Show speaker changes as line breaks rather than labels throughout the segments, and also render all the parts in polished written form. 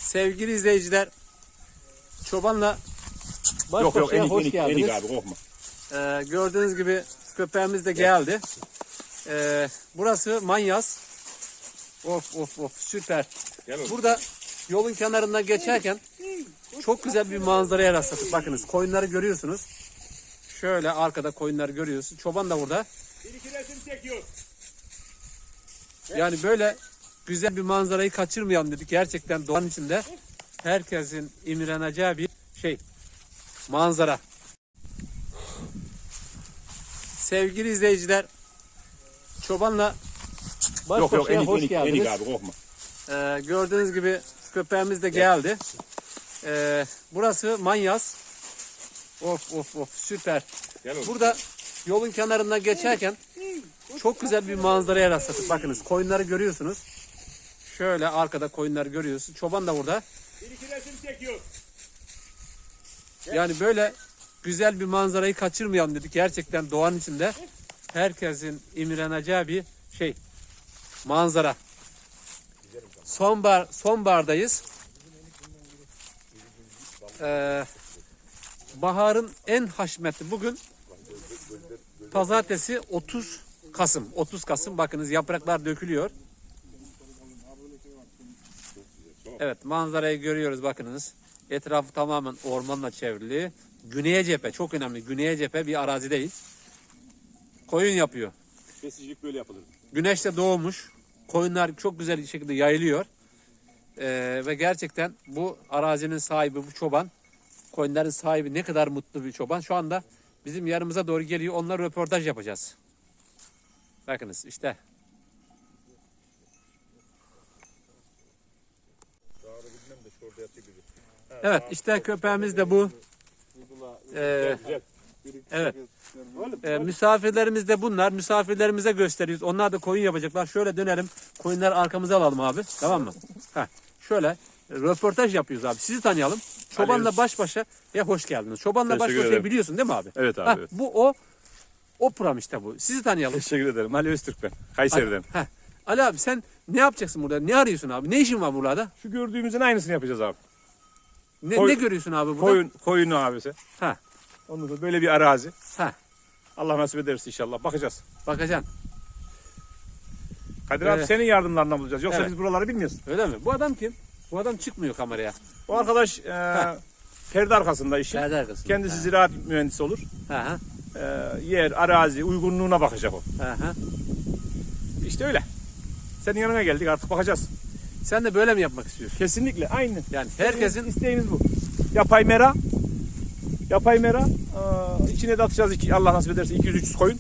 Sevgili izleyiciler, çobanla baş
Yok
başaya hoş
enik
geldiniz.
abi korkma.
Gördüğünüz gibi köpeğimiz de geldi. Burası Manyas. Of süper. Burada yolun kenarından geçerken çok güzel bir manzaraya rastladık. Bakınız koyunları görüyorsunuz. Şöyle arkada koyunları görüyorsunuz. Çoban da burada.
Bir iki resim çekiyor.
Yani böyle güzel bir manzarayı kaçırmayalım dedik. Gerçekten doğanın içinde herkesin imreneceği bir manzara. Sevgili izleyiciler, çobanla baş başaya hoş geldiniz.
Enik abi korkma.
Gördüğünüz gibi köpeğimiz de geldi. Burası Manyas. Of süper. Burada yolun kenarından geçerken çok güzel bir manzaraya rastladık. Bakınız koyunları görüyorsunuz. Şöyle arkada koyunları görüyorsunuz. Çoban da burada.
Bir iki resim çekiyor.
Yani böyle güzel bir manzarayı kaçırmayalım dedik. Gerçekten doğanın içinde herkesin imreneceği bir manzara. Sonbahardayız. Baharın en haşmetli bugün pazartesi 30 Kasım. 30 Kasım bakınız yapraklar dökülüyor. Evet manzarayı görüyoruz bakınız. Etrafı tamamen ormanla çevrili. Güneye cephe çok önemli. Güneye cephe bir arazideyiz. Koyun yapıyor.
Besicilik böyle yapılır.
Güneş de doğmuş. Koyunlar çok güzel bir şekilde yayılıyor. Ve gerçekten bu arazinin sahibi bu çoban. Koyunların sahibi ne kadar mutlu bir çoban. Şu anda bizim yanımıza doğru geliyor. Onunla röportaj yapacağız. Bakınız işte. Evet işte köpeğimiz de bu. Evet. Misafirlerimiz de bunlar. Misafirlerimize gösteriyoruz. Onlar da koyun yapacaklar. Şöyle dönelim. Koyunları arkamıza alalım abi. Tamam mı? Şöyle röportaj yapıyoruz abi. Sizi tanıyalım. Çobanla baş başa hoş geldiniz. Çobanla baş başa biliyorsun değil mi abi?
Evet abi. Evet.
Bu o program işte bu. Sizi tanıyalım.
Teşekkür ederim. Ali Öztürk ben. Kayseri'den.
Ali abi sen ne yapacaksın burada? Ne arıyorsun abi? Ne işin var burada?
Şu gördüğümüzün aynısını yapacağız abi.
Ne görüyorsun abi burada?
Koyunu abisi. Ondan sonra böyle bir arazi. Allah nasip ederse inşallah. Bakacağız.
Bakacaksın.
Kadir abi senin yardımlarından bulacağız. Yoksa
Evet.
biz buraları bilmiyoruz.
Öyle mi? Bu adam kim? Bu adam çıkmıyor kameraya.
O arkadaş perde arkasında işi.
Perde arkasında.
Kendisi ziraat mühendisi olur. Yer, arazi, uygunluğuna bakacak o. İşte öyle. Senin yanına geldik artık bakacağız.
Sen de böyle mi yapmak istiyorsun?
Kesinlikle aynı.
Yani herkesin
isteğimiz bu. Yapay mera. İçine de atacağız Allah nasip ederse 200-300 koyun.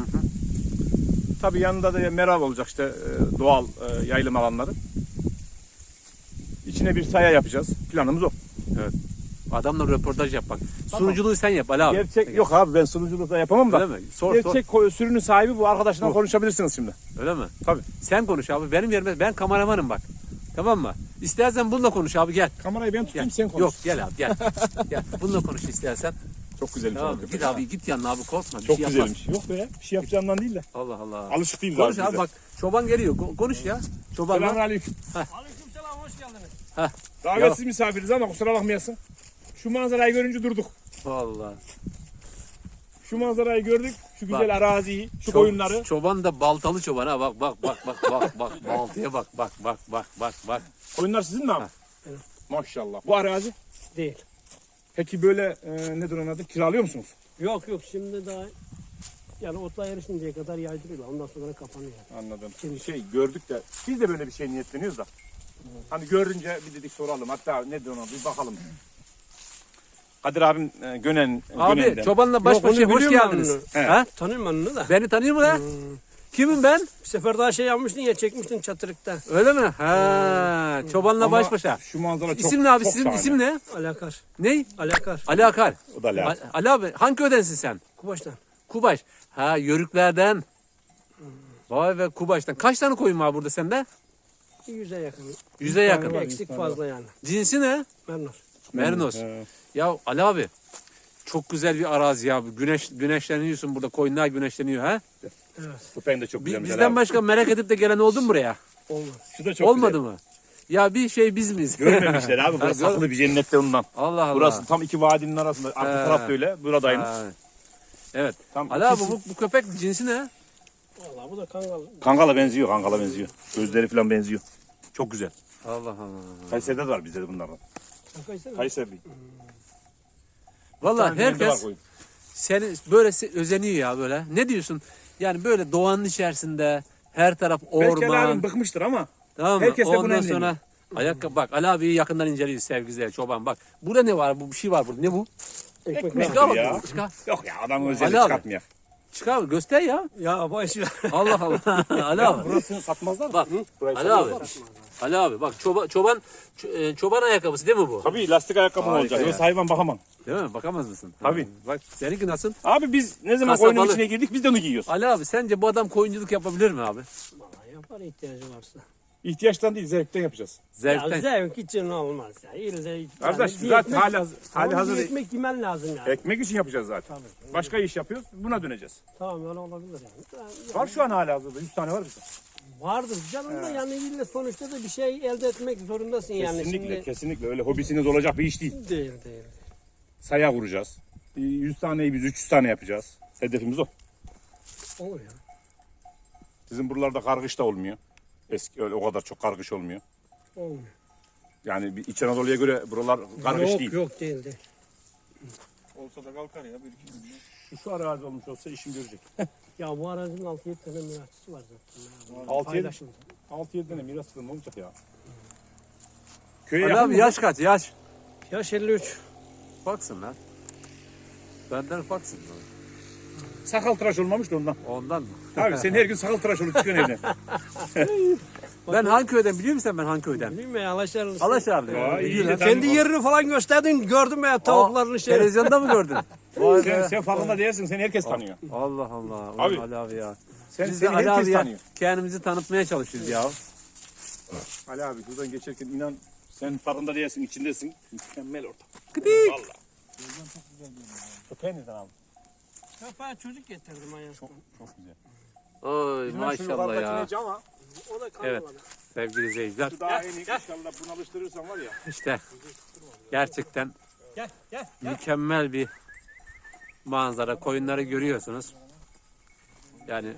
Tabii yanında da mera olacak işte doğal yayılım alanları. İçine bir saya yapacağız. Planımız o.
Evet. Adamla röportaj yap bak. Tamam. Sunuculuğu sen yap Ali abi.
Gerçek yok abi ben sunuculuk da yapamam da.
Öyle mi?
Gerçek sürünün sahibi bu arkadaşla konuşabilirsiniz şimdi.
Öyle mi?
Tabii.
Sen konuş abi. Benim yerime ben kameramanım bak. Tamam mı? İstersen bununla konuş abi gel.
Kamerayı ben tutayım
Gel.
sen konuş.
Yok gel abi gel. Gel. Bununla konuş istersen.
Çok güzel.
Tamam. Git abi git yanına abi korkma.
Çok
bir şey
güzelmiş. Yok be bir şey yapacağımdan değil de.
Allah Allah.
Alışık değiliz
Konuş
abi.
abi bak. Çoban geliyor. Konuş ya. Çobanla.
Aleykümselam hoş geldiniz.
Davetsiz misafiriz ama kusura bakmayasın. Şu manzarayı görünce durduk.
Vallahi.
Şu manzarayı gördük. Şu güzel araziyi, şu koyunları.
Çoban da baltalı çoban ha bak. Baltaya bak.
Koyunlar sizin mi abi?
Evet.
Maşallah. Bu arazi?
Değil.
Peki böyle nedir onun adı? Kiralıyor musunuz?
Yok şimdi daha yani otla yarışıncaya kadar yaydırıyorlar. Ondan sonra kapanıyor.
Anladım.
Şimdi
Gördük de biz de böyle bir şey niyetleniyoruz da. Hani görünce bir dedik soralım. Hatta nedir ona bir bakalım. Kadir abim Gönen'den.
Abi çobanla baş başa hoş geldiniz.
Tanıyorum ben onu da.
Beni tanıyor mu lan? Kimim ben?
Bir sefer daha yapmıştın ya çekmiştin çatırıkta.
Öyle mi? Çobanla
Ama
baş başa.
Şu manzara çok
İsim ne abi?
çok
Sizin
şahane.
isim ne?
Alakar.
Ne?
Alakar.
Ali Akar.
O da Ali.
Ali abi hangi köydensin sen?
Kubaş'tan.
Kubaş. Yörüklerden. Vay be Kubaş'tan. Kaç tane koyun var burada sende?
100'e yakın.
100'e yakın.
Eksik fazla yani.
Cinsi ne?
Memnun.
Merinos. Ya Ali abi çok güzel bir arazi ya. Güneşleniyorsun burada. Koyunlar güneşleniyor ha.
Evet.
Köpeğin de çok güzel.
Bizden başka merak edip de gelen oldu mu buraya?
Olmaz.
Şu da çok
Olmadı
güzel.
mı? Ya bir şey biz miyiz?
Görmemişler abi. Burası
Ha,
saklı bir cennette ondan.
Allah Allah.
Burası tam iki vadinin arasında. Arka taraf da öyle. Buradayım.
Ha. Evet.
Tam
Ali abi
ikisi-
bu köpek cinsi ne?
Vallahi bu da kangal.
Kangala benziyor. Kangala benziyor. Gözleri falan benziyor. Çok güzel.
Allah Allah.
Kayseri'de de var bizde de bunlardan.
Kayseri.
Kayseri.
Vallahi
Bir tane de var
herkes
koyun.
seni böyle özeniyor ya böyle. Ne diyorsun? Yani böyle doğanın içerisinde her taraf
Belki Ali
orman.
abim bıkmıştır ama
Tamam mı?
herkes de bunu
Ondan
emrediyor.
sonra ayakkabı bak Ali abiyi yakından inceliyor sevgili çoban bak. Burada ne var? Bu bir şey var burada. Ne bu?
Ekmek.
Çıkar
ya.
bak. Çıkar.
yok ya adam
Ali
özellik
abi.
çıkartmıyor.
Çıkar göster ya.
Ya boş ver.
Allah Allah. Ali abi.
Burasını satmazlar mı?
Bak.
Burayı
Ali abi.
satmazlar mı?
Ali abi bak çoban ayakkabısı değil mi bu?
Tabii lastik ayakkabı
Harika
olacak.
ya.
Yoksa hayvan bakamam.
Değil mi? Bakamaz mısın?
Tabii.
Ha, bak seninki nasıl?
Abi biz ne zaman
Kasabalı.
koyunun içine girdik biz de onu giyiyoruz.
Ali abi sence bu adam koyunculuk yapabilir mi abi?
Vallahi yapar ihtiyacı varsa.
İhtiyaçtan değil zevkten yapacağız.
Zevkten.
Ya zevk için olmaz ya. İlle
Kardeş
bir
zaten
ekmek-
hali hazır
ekmek yemen lazım yani.
ekmek için yapacağız zaten. Başka iş yapıyoruz buna döneceğiz.
Tamam öyle olabilir yani.
Var şu an hali hazırda 100 tane var bizde.
Vardır canım da yani ille sonuçta da bir şey elde etmek zorundasın yani.
Kesinlikle
Şimdi...
kesinlikle öyle hobisiniz olacak bir iş değil.
Değil.
Saya kuracağız. 100 taneyi biz 300 tane yapacağız. Hedefimiz o.
Olur ya.
Sizin buralarda kargış da olmuyor. Eski öyle o kadar çok kargış olmuyor.
Olmuyor.
Yani bir İç Anadolu'ya göre buralar kargış
Yok
değil.
yok değil.
Olsa da kalkar ya bir iki gün.
Şu arazi olmuş olsa işim görecek.
Ya bu arazinin 6-7 tane mirasçısı var zaten.
6-7
Paylaşımda.
6-7 tane miras ne olacak ya? Köye
Ali
yakın
abi
mı?
yaş kaç yaş?
Yaş 53.
Baksın lan. Benden baksın.
Sakal tıraş olmamış da ondan.
Ondan mı?
Abi sen her gün sakal tıraş olup çıkıyorsun evden.
Ben hangi köyden biliyor musun ben hangi köyden?
Bilmiyorum ya Alaşarlı.
Alaşarlı.
Vay, iyi
Biliyorum.
de
Kendi yerini falan gösterdin gördüm ya tavuklarını şey.
Televizyonda mı gördün? Vay
sen,
be.
sen farkında değilsin. Seni herkes tanıyor.
Allah Allah. Ulan
Abi.
Ali abi ya.
Sen,
Biz de
seni
Ali
herkes
abiye
tanıyor.
kendimizi tanıtmaya çalışıyoruz ya.
Ali abi buradan geçerken inan sen farkında değilsin, içindesin. Mükemmel ortam.
Gıdik.
Valla. Köpeği neden aldın?
Kapağı çocuk getirdim ayaktan.
Çok güzel.
Oy maşallah ya.
Ama
O da
Evet.
kanmadı.
Sevgili izleyiciler.
şu daha en iyi inşallah bunu alıştırırsan var ya.
İşte gerçekten
Gel.
mükemmel bir manzara. Koyunları görüyorsunuz. Yani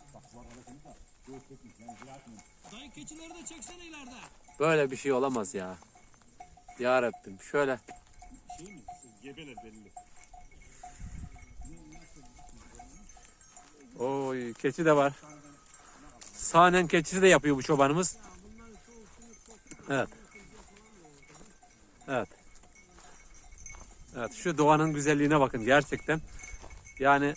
Dayı keçileri de çeksene ileride.
böyle bir şey olamaz ya. Ya Rabbim şöyle.
Gebeler belli.
Oy keçi de var. Sahnen keçisi de yapıyor bu çobanımız. Evet. Evet. Evet şu doğanın güzelliğine bakın gerçekten. Yani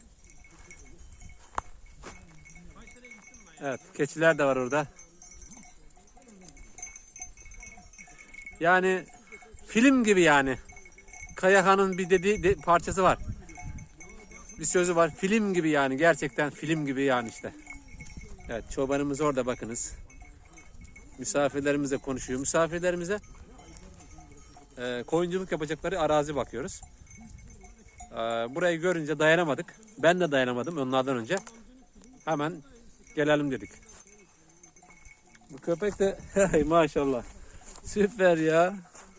evet keçiler de var orada. Yani film gibi yani. Kayahan'ın bir dediği parçası var. Bir sözü var. Film gibi yani. Gerçekten film gibi yani işte. Evet çobanımız orada bakınız. Misafirlerimizle konuşuyor. Misafirlerimize koyunculuk yapacakları arazi bakıyoruz. Burayı görünce dayanamadık. Ben de dayanamadım onlardan önce. Hemen gelelim dedik. Bu köpek de hey, maşallah. Süper ya.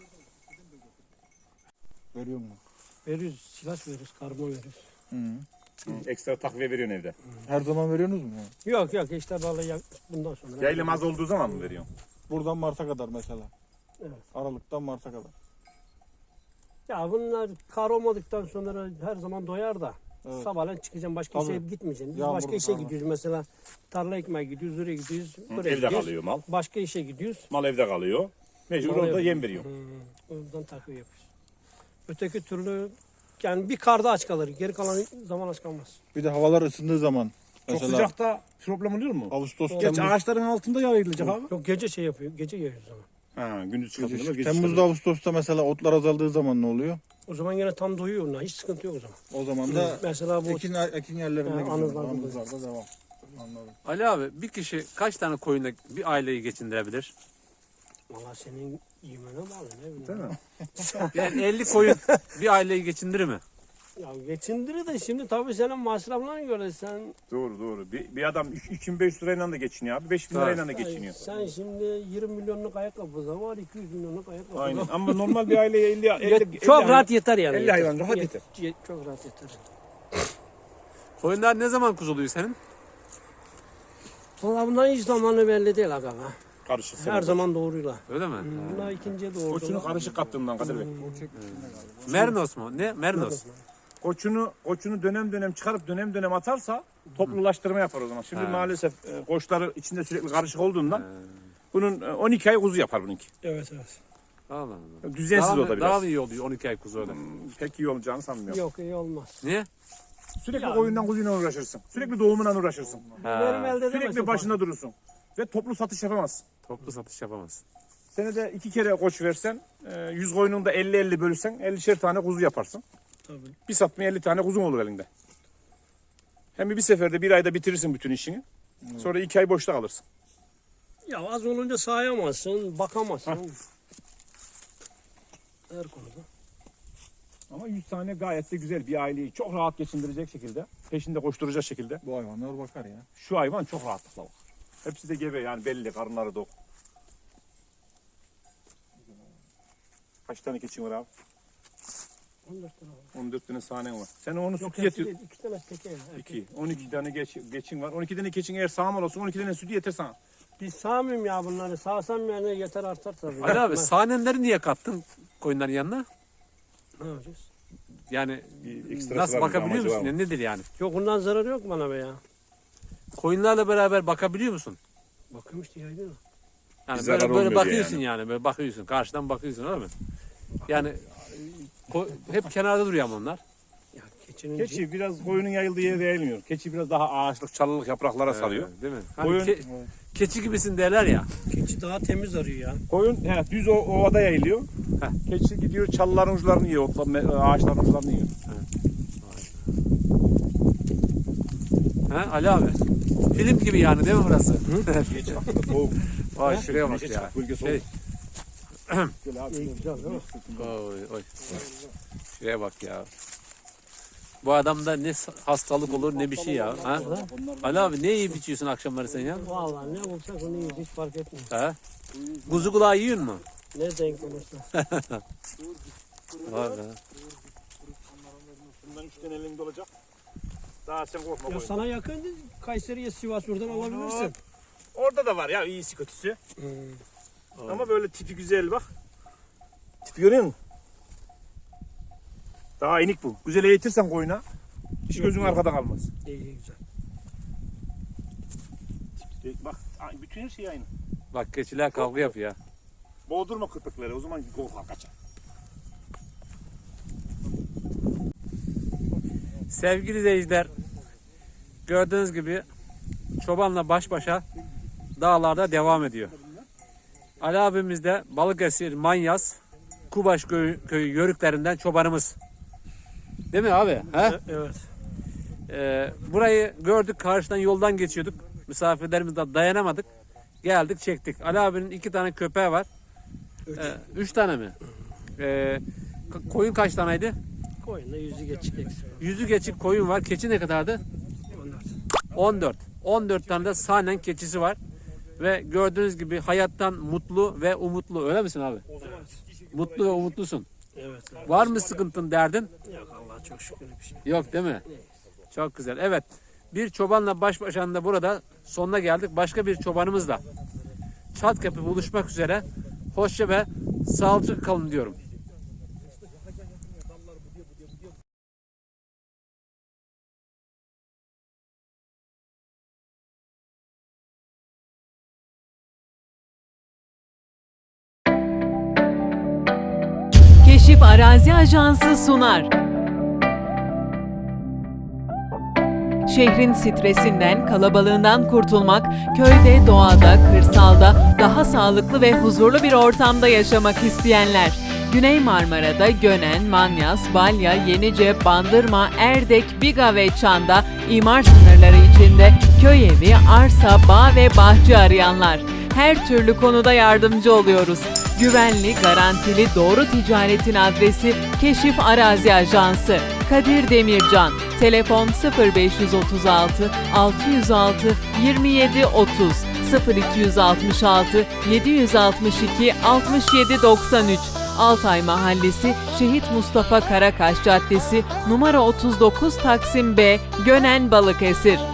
Görüyor musun?
Veriyoruz. Silah veriyoruz. Karbon veriyoruz.
Ekstra takviye veriyorsun evde.
Her zaman veriyorsunuz mu?
Yok işte balığı bundan sonra.
Yaylım az olduğu zaman mı veriyorsun?
Buradan Mart'a kadar mesela.
Evet.
Aralıktan Mart'a kadar.
Ya bunlar kar olmadıktan sonra her zaman doyar da.
Evet.
Sabahleyin çıkacağım başka
Tabii.
işe gitmeyeceksin. Biz
Yağmur
başka işe
falan.
gidiyoruz mesela. Tarla ekmeye gidiyoruz, oraya gidiyoruz, buraya
Evde
gidiyoruz.
kalıyor mal.
Başka işe gidiyoruz.
Mal evde kalıyor. Mecbur orada yem veriyor.
Oradan takviye yapıyoruz. Öteki türlü yani bir karda aç kalır. Geri kalan zaman aç kalmaz.
Bir de havalar ısındığı zaman.
Çok
Mesela
sıcakta problem oluyor mu?
Ağustos,
Geç
Temmuz,
ağaçların altında yayılacak abi.
Yok gece şey yapıyor. Gece yayıyoruz zaman.
Ha, gündüz çıkartıyorlar. gece
Temmuz'da
çıkartıyorlar.
Ağustos'ta mesela otlar azaldığı zaman ne oluyor?
O zaman yine tam doyuyor onlar. Hiç sıkıntı yok o zaman.
O zaman da
Mesela bu
ekin yerlerine
Ha,
gidiyor.
anızlarda
Anızlarda devam. Anladım.
Ali abi bir kişi kaç tane koyunla bir aileyi geçindirebilir?
valla senin yemene bağlı ne bileyim.
Değil mi?
Yani 50 koyun bir aileyi geçindirir mi?
Ya geçindirir de şimdi tabii senin masraflarına göre sen
Doğru. Bir adam 2500 lirayla da geçiniyor abi. 5000 lirayla da geçiniyor.
sen şimdi 20 milyonluk ayakkabı da var 200 milyonluk ayakkabı
Aynen.
var.
Ama normal bir aileye 50
Çok rahat yeter yani.
50 hayvan rahat yeter.
Çok rahat yeter.
Koyunlar ne zaman kuzuluyor senin?
Valla bunların hiç zamanı belli değil aga be.
Karışık.
Her zaman doğruyla.
Öyle mi?
Bunlar ikinciye
Koçunu
doğurdular.
karışık kaptığından Kadir Bey.
Mernos mu? Ne? Mernos.
Koçunu dönem çıkarıp dönem atarsa toplulaştırma yapar o zaman. Şimdi maalesef koçları içinde sürekli karışık olduğundan bunun 12 ay kuzu yapar bununki.
Evet.
Allah Allah.
Düzensiz
Daha,
o da biraz.
daha mı iyi oluyor 12 ay kuzu öyle?
Pek iyi olacağını sanmıyorum.
Yok iyi olmaz.
Niye?
Sürekli koyundan kuzuyla uğraşırsın. Sürekli doğumundan uğraşırsın.
Benim elde
Sürekli
edemezsin.
başında durursun. Ve toplu satış yapamazsın.
Toplu satış yapamazsın.
Senede 2 kere koç versen 100 koyunun da 50-50 bölürsen 50'şer tane kuzu yaparsın.
Tabii.
Bir satmaya 50 tane kuzun olur elinde. Hem bir seferde bir ayda bitirirsin bütün işini. Sonra 2 ay boşta kalırsın.
Ya az olunca sayamazsın, bakamazsın. Her konuda.
Ama 100 tane gayet de güzel bir aileyi çok rahat geçindirecek şekilde, peşinde koşturacak şekilde.
Bu hayvanlar bakar ya.
Şu hayvan çok rahatlıkla bakar. Hepsi de gebe yani belli, karınları tok. Kaç tane keçin var abi?
14 tane var.
14 tane sahnen var. Sen onu sütü
Yok
getir.
2 tane teke ya.
2. 12 tane geçin var. 12 tane keçin eğer sağmal olsun 12 tane sütü yeter sana.
Biz sağmayayım ya bunları. Sağsam yani yeter artar tabii.
Ali abi sahnenleri niye kattın koyunların yanına?
Ne yapacağız?
Yani
Bir ekstrası
nasıl
var mı,
bakabiliyor
amacı var
musun?
mı?
Ya nedir yani?
Yok bundan zarar yok bana be ya.
Koyunlarla beraber bakabiliyor musun?
Bakıyorum işte yaydın mı?
Yani
Bir zarar
böyle
olmuyor diye
bakıyorsun yani. Böyle bakıyorsun. Karşıdan bakıyorsun öyle mi? Yani hep kenarda duruyor ama onlar.
Ya keçinin
Keçi biraz koyunun yayıldığı yere yayılmıyor. Keçi biraz daha ağaçlık, çalılık yapraklara salıyor.
Değil mi? Hani
Koyun-
keçi gibisin derler ya.
keçi daha temiz arıyor ya.
Koyun düz ovada yayılıyor.
Heh.
Keçi gidiyor çalıların uçlarını yiyor, ağaçların uçlarını yiyor.
Ha Ali abi. Film gibi yani değil mi burası?
Soğuk.
Vay şuraya bak
Güneşe
ya.
çık, bölge soğuk.
Şey,
Gel abi.
İyi güzel değil mi?
oy. Şuraya bak ya. Bu adamda ne hastalık olur ne bir şey ya. Ha? Ali abi ne yiyip içiyorsun akşamları sen ya?
Vallahi ne bulsak onu yiyiz hiç fark etmiyor.
Ha? Kuzu kulağı yiyor mu?
Ne denk olursa.
Vay be.
Bundan 3 tane elinde olacak. Daha sen korkma
Ya
koyun.
sana yakın Kayseri'ye Sivas buradan alabilirsin.
Orada da var ya iyisi kötüsü.
Hmm.
Ama böyle tipi güzel bak. Tipi görüyor musun? Daha inik bu. Güzel eğitirsen koyuna hiç gözün arkada kalmaz.
İyi güzel.
Bak bütün her şey aynı.
Bak keçiler kavga yapıyor ya.
Boğdurma köpekleri o zaman korkar kaçar.
Sevgili izleyiciler, gördüğünüz gibi çobanla baş başa dağlarda devam ediyor. Ali abimiz de Balıkesir, Manyas, Kubaş köyü yörüklerinden çobanımız. Değil mi abi? He?
Evet.
Burayı gördük, karşıdan yoldan geçiyorduk. Misafirlerimizden dayanamadık. Geldik, çektik. Ali abinin 2 tane köpeği var. 3 tane mi? Koyun kaç taneydi?
Koyunda yüzü geçik eksik.
Yüzü geçik koyun var. Keçi ne kadardı? 14. 14 tane de sahnen keçisi var. Ve gördüğünüz gibi hayattan mutlu ve umutlu. Öyle misin abi? Mutlu ve umutlusun.
Evet.
Var mı sıkıntın, derdin?
Yok Allah çok şükür bir şey.
Yok değil mi? Çok güzel. Evet. Bir çobanla baş başa da burada sonuna geldik. Başka bir çobanımızla Çatkapı buluşmak üzere. Hoşça ve sağlıcakla kalın diyorum.
Keşif Arazi Ajansı sunar. Şehrin stresinden, kalabalığından kurtulmak, köyde, doğada, kırsalda daha sağlıklı ve huzurlu bir ortamda yaşamak isteyenler. Güney Marmara'da Gönen, Manyas, Balya, Yenice, Bandırma, Erdek, Biga ve Çan'da imar sınırları içinde köy evi, arsa, bağ ve bahçe arayanlar. Her türlü konuda yardımcı oluyoruz. Güvenli, garantili, doğru ticaretin adresi Keşif Arazi Ajansı. Kadir Demircan, telefon 0536 606 27 30 0266 762 67 93. Altay Mahallesi, Şehit Mustafa Karakaş Caddesi, numara 39 Taksim B, Gönen, Balıkesir.